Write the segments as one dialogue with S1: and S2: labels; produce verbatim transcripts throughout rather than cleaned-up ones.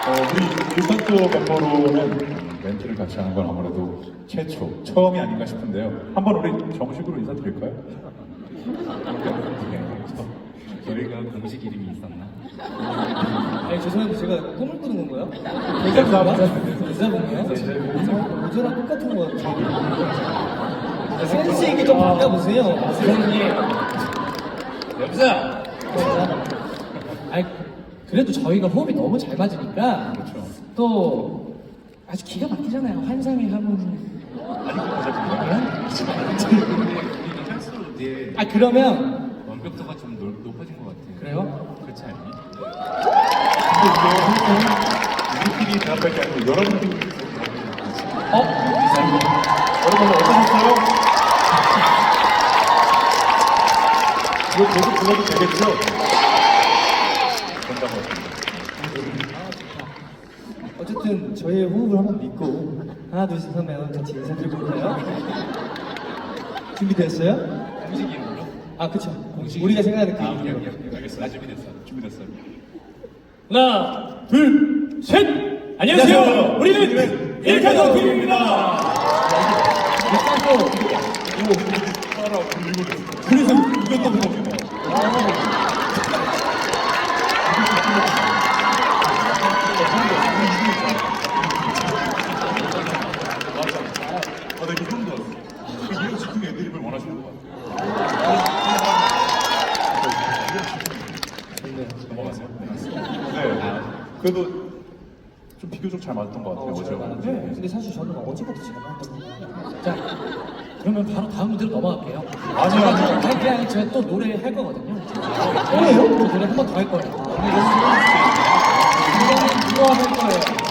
S1: 어, 우리 유산소 멤버로는 멘트를 같이 하는 건 아무래도 최초, 처음이 아닌가 싶은데요. 한번 우리 정식으로 인사드릴까요? 네,
S2: 저희가 공식 이름이 있었나?
S3: 아니 죄송한데 제가 꿈을 꾸는 건가요?
S1: 감사합니다.
S3: 여자분이에요? 어제랑 똑같은 거 같아요. 센스 있게 좀 바꿔보세요.
S2: 선생님! 여보세요!
S4: 아니 그래도 저희가 호흡이 너무 잘 맞으니까
S1: 그렇죠.
S4: 또 아주 기가 막히잖아요. 환상의 하모니.
S2: 우리는 할수록 이제
S4: 아 그러면
S2: 완벽도가 좀 높- 높아진 것 같아요.
S4: 그래요?
S2: 그렇지 않니?
S1: 근데 이게 우리끼리 대답할 게 아니고 여러분들이
S4: 어?
S1: 여러분 어떠셨어요? 이거 계속 불러도 되겠죠? 된다고 같습니다.
S3: 어쨌든 저희의 호흡을 한번 믿고 하나 둘셋 하면 같이 인사드려볼까요? 준비됐어요?
S2: 공식 이름으로?
S3: 아 그쵸.
S2: 공식
S3: 우리가 생각하는 그
S2: 아, 오케이,
S3: 이름으로.
S2: 오케이, 오케이. 알겠어. 나 준비됐어.
S1: 준비됐어요.
S4: 하나, 둘, 셋! 안녕하세요.
S1: 안녕하세요.
S4: 우리는 일카노 팀입니다. 일단 또
S1: 따라 불리고 있어요.
S4: 그래서
S1: 이것도 불러주네. 아, 나 이거 처음 들었어. 그 이런 즉흥 애드립을 원하시는 것 같아요. 넘어가세요. 네. 그래도 좀 비교적 잘 맞았던 것 같아요.
S3: 어, 잘
S1: 어제.
S3: 맞았죠. 근데 사실 저는 어제부터 잘 맞았던 것 같아요.
S4: 자, 그러면 바로 다음 문제로 넘어갈게요.
S1: 아니요, 아니요.
S4: 아니, 그냥 제가 또 노래 할 거거든요. 뭐예요? 또 노래 한 번 더 할 거예요. 이거는 누가 할 거예요?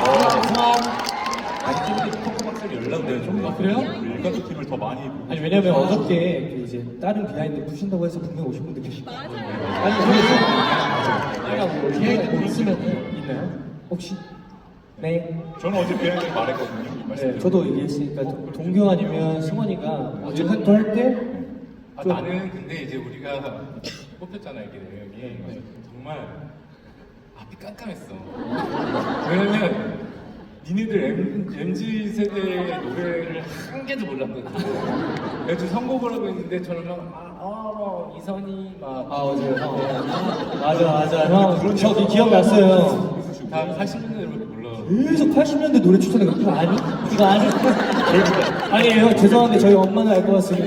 S1: 아직 좀 토크박스를 연락돼요. 좀.
S4: 아, 그래요?
S1: 일가족 팀을 더 많이.
S3: 아니 왜냐면 어저께 그 이제 다른 비하인드 푸신다고 해서 분명 오신 분들 계시고 아니
S4: 제가 뭐 비하인드 뭐 있으면은
S3: 있나요? 혹시? 네.
S1: 저는 어제 비하인드 말했거든요.
S3: 네,
S1: 말씀드렸죠.
S3: 저도 얘기했으니까 도- 동경 아니면 승원이가 어제 한도 할 때
S2: 아,
S3: 좀-
S2: 나는 근데 이제 우리가 뽑혔잖아, 이게 내용이. 정말 앞이 깜깜했어. 왜냐면 니네들 M, 엠지 세대의 노래를 한 개도 몰랐거든. 그래서 선곡을 하고 있는데 저는 막, 아, 어, 이선희, 막.
S3: 아 맞아요. 형. 맞아 맞아 형. 저 기억났어요.
S2: 다 팔십 년대로 몰라.
S3: 계속 팔십 년대 노래 추천해 그거 아니? 이거 아니? 아니에요. 죄송한데 저희 엄마는 알 것 같습니다.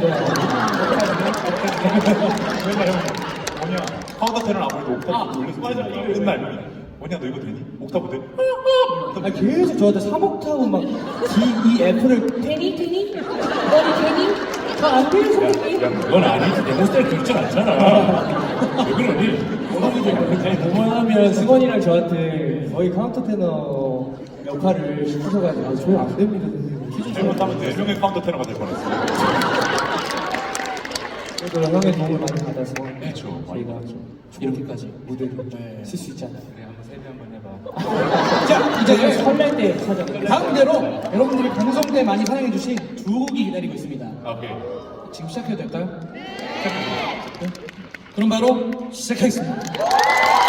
S1: 맨날 형 뭐냐 카운터테는 아무래도 옥타브 올려서 맞아 맨날 뭐냐 너 이거 되니? 옥타브 돼?
S3: 아 계속 저한테 삼 옥타브 막 D, E, F를
S4: 되니 되니? 너는 되니? 저안 돼요 선생님.
S2: 야, 그건 아니지. 내 스타일 그렇진 않잖아. 왜 그러니?
S3: 아니 그만하면 승원이랑 저한테 거의 카운터 테너 역할을 시키셔가지고 저희 안 됩니다 선생님.
S1: 잘못하면 네 명의 카운터테너가 될 뻔했어요.
S3: 그래도 형의 도움을 많이 받아서
S1: 그렇죠. 많이
S3: 저희가
S1: 받았죠.
S3: 이렇게까지 무대를 쓸 수 있잖아요.
S2: 그래, 한번 세배 한번 해봐.
S4: 자 이제
S3: 설날 때 찾아.
S4: 다음 무대로 여러분들이 방송 때 많이 사랑해주신 두 곡이 기다리고 있습니다.
S1: 아, 오케이.
S4: 지금 시작해도 될까요? 네. 그럼 바로 시작하겠습니다.